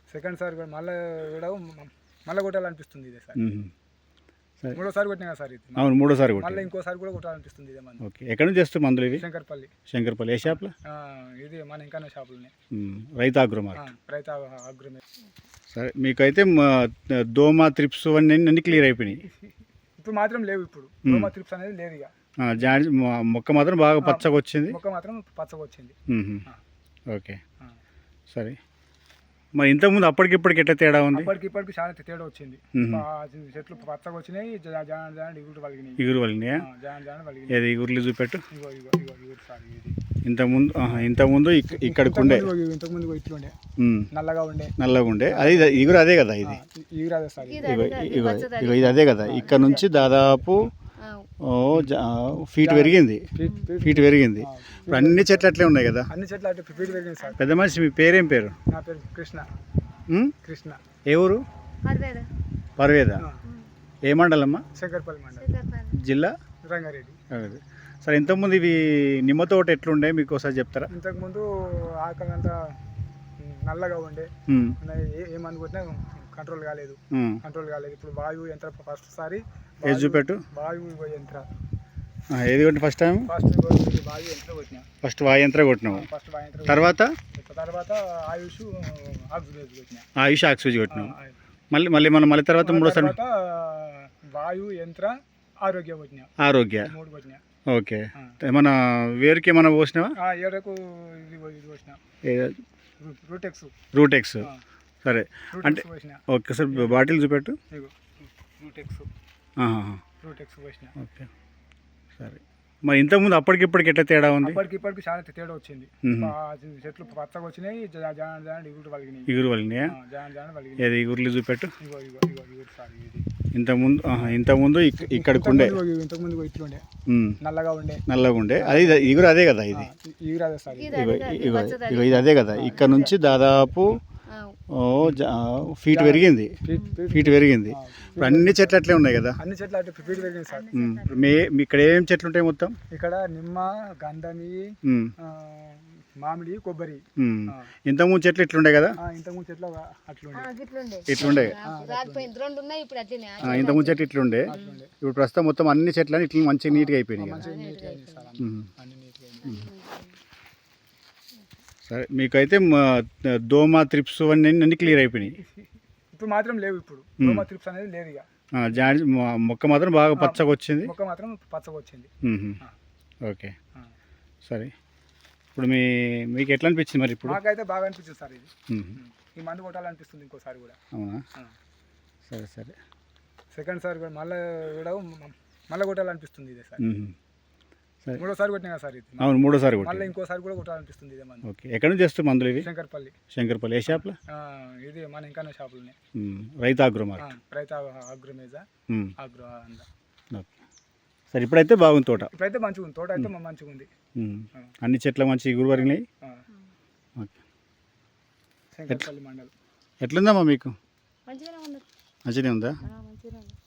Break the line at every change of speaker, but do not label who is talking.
Second sir కూడా మళ్ళీ కొట్టాలనిపిస్తుంది ఇదే సార్.
సరే
మూడోసారి కొట్టినా సార్ ఇది.
అవును, మూడోసారి కొట్టి.
మళ్ళీ ఇంకోసారి కూడా కొట్టాలనిపిస్తుంది ఇదే మందు.
ఓకే, ఎక్కడి నుంచి వస్తుంది మందులు ఇవి?
శంకర్పల్లి.
ఏ షాప్లో?
ఇది మన ఇంకా షాపులోనే.
రైతు అగ్రో మార్కెట్.
రైతు అగ్రమే.
సరే, మీకైతే దోమ త్రిప్స్ అన్నీ క్లియర్ అయిపోయినాయి.
ఇప్పుడు మాత్రం లేవు. ఇప్పుడు దోమ త్రిప్స్ అనేది లేదు ఇక.
మొక్క మాత్రం బాగా పచ్చగా వచ్చింది.
మొక్క మాత్రం పచ్చగా వచ్చింది.
ఓకే, సరే. మరి ఇంతకుముందు అప్పటికిప్పటికి ఎట్లా తేడా ఉంది?
ఇప్పటికి చాలా తేడా వచ్చింది. చెట్లు పచ్చగా వచ్చినాయి,
ఇగురు వలినాయా? ఏది ఇగురులు చూపెట్టు. ఇంతకుముందు ఇక్కడికి ఉండే,
ఇంతకుముందు ఇట్లుండే నల్లగా
ఉండే. అది ఇగురు అదే కదా? ఇది ఇది అదే కదా? ఇక్కడ నుంచి దాదాపు ఫీట్ పెరిగింది. ఇప్పుడు అన్ని చెట్లు అట్లే ఉన్నాయి కదా?
అన్ని చెట్లు అట్లా ఫీట్ పెరిగింది సార్.
పెద్ద మనిషి, మీ పేరేం పేరు?
నా పేరు కృష్ణ.
ఏ ఊరు? పర్వేద. ఏ మండలమ్మా?
శంకర్పల్లి మండలం,
జిల్లా
రంగారెడ్డి.
సరే, ఇంతకుముందు ఇవి నిమ్మ తోట ఎట్లుండే మీకు ఒకసారి చెప్తారా?
ఇంతకుముందు ఆకలంతా నల్లగా ఉండే, ఏ మందు కొట్టినా కంట్రోల్ కాలేదు. ఇప్పుడు వాయువు యంత్ర ఫస్ట్ సారి
ఏది చూపెట్టు.
వాయువు యంత్ర
ఏది కొట్టిన? ఫస్ట్ టైం
వాయు యంత్ర కొట్టినా.
ఫస్ట్ వాయు యంత్ర కొట్టినావు. తర్వాత
ఆయుష్ ఆక్సిజన్ కొట్టినా.
ఆయుష్ ఆక్సిజన్ కొట్టినావు. మళ్ళీ తర్వాత మూడోసారి
వాయు యంత్ర ఆరోగ్య కొట్టినా.
ఆరోగ్య
3 కొట్టినా.
ఓకే, మన వేరుకి ఏమైనా పోసినావా?
ఏడకు ఇది పోసిన
రూటెక్స్. సరే, అంటే ఓకే సార్, బాటిల్ చూపెట్టు.
రూటెక్స్ పోసిన.
ఓకే, సరే. మరి ఇంతకుముందు అప్పటికిప్పటికి ఎట్లా తేడా ఉంది?
ఇప్పటికి చాలా తేడా వచ్చింది. చెట్లు పచ్చగా వచ్చినాయి,
ఇగురు వలినాయా? ఏది ఇగురులు చూపెట్టు. ఇంతకుముందు ఇక్కడికి ఉండే,
ఇంతకుముందు ఇట్లుండే నల్లగా ఉండే.
అది ఇగురు అదే కదా? ఇది ఇది అదే కదా? ఇక్కడ నుంచి దాదాపు ఫీట్ పెరిగింది. ఇప్పుడు అన్ని చెట్లు అట్లే ఉన్నాయి కదా?
అన్ని చెట్లు అట్లా ఫీట్ పెరిగింది సార్.
ఇక్కడ ఏం చెట్లు ఉంటాయి మొత్తం?
ఇక్కడ నిమ్మ, గంధమి, మామిడి, కొబ్బరి.
ఇంతకుముందు చెట్లు ఇట్లుండే కదా?
ఇంతకుముందు చెట్లు
ఇట్లుండే. ఇంతకుముందు చెట్లు ఇట్లుండే. ఇప్పుడు ప్రస్తుతం మొత్తం అన్ని చెట్లు ఇట్లా మంచిగా నీట్గా అయిపోయినాయి. సరే, మీకైతే దోమ త్రిప్స్ అన్నీ క్లియర్ అయిపోయినాయి.
ఇప్పుడు మాత్రం లేవు. ఇప్పుడు దోమ త్రిప్స్ అనేది లేదు ఇక.
మొక్క మాత్రం బాగా పచ్చగా వచ్చింది. ఓకే, సరే. ఇప్పుడు మీకు ఎట్లా అనిపించింది మరి? ఇప్పుడు
నాకైతే బాగా అనిపించింది సార్. ఇది ఈ మందు కొట్టాలనిపిస్తుంది ఇంకోసారి కూడా.
అవునా? సరే.
సెకండ్ సార్ కూడా మళ్ళీ కొట్టాలనిపిస్తుంది ఇదే సార్. మూడోసారి కొట్టినా సార్ ఇది.
అవును, మూడోసారి కొట్టి.
మళ్ళీ ఇంకోసారి కూడా కొట్టాలనిపిస్తుంది ఇదే మందు.
ఓకే, ఎక్కడి నుంచి వస్తుంది మందులు ఇవి?
శంకర్పల్లి.
ఏ షాప్లో?
ఇది మన ఇంకా షాపులోనే.
రైతు అగ్రో మార్కెట్.
రైతు అగ్రోమేజా అగ్రో.
ఓకే, సరే. ఇప్పుడైతే బాగుంది తోట?
ఇప్పుడైతే మంచిగా ఉంది. తోట అయితే మంచిగా ఉంది.
అన్ని చెట్ల మంచి ఇగురు వరిగినాయి.
శంకర్పల్లి మండలం.
ఎట్లుందమ్మా మీకు? మంచిగానే ఉందా?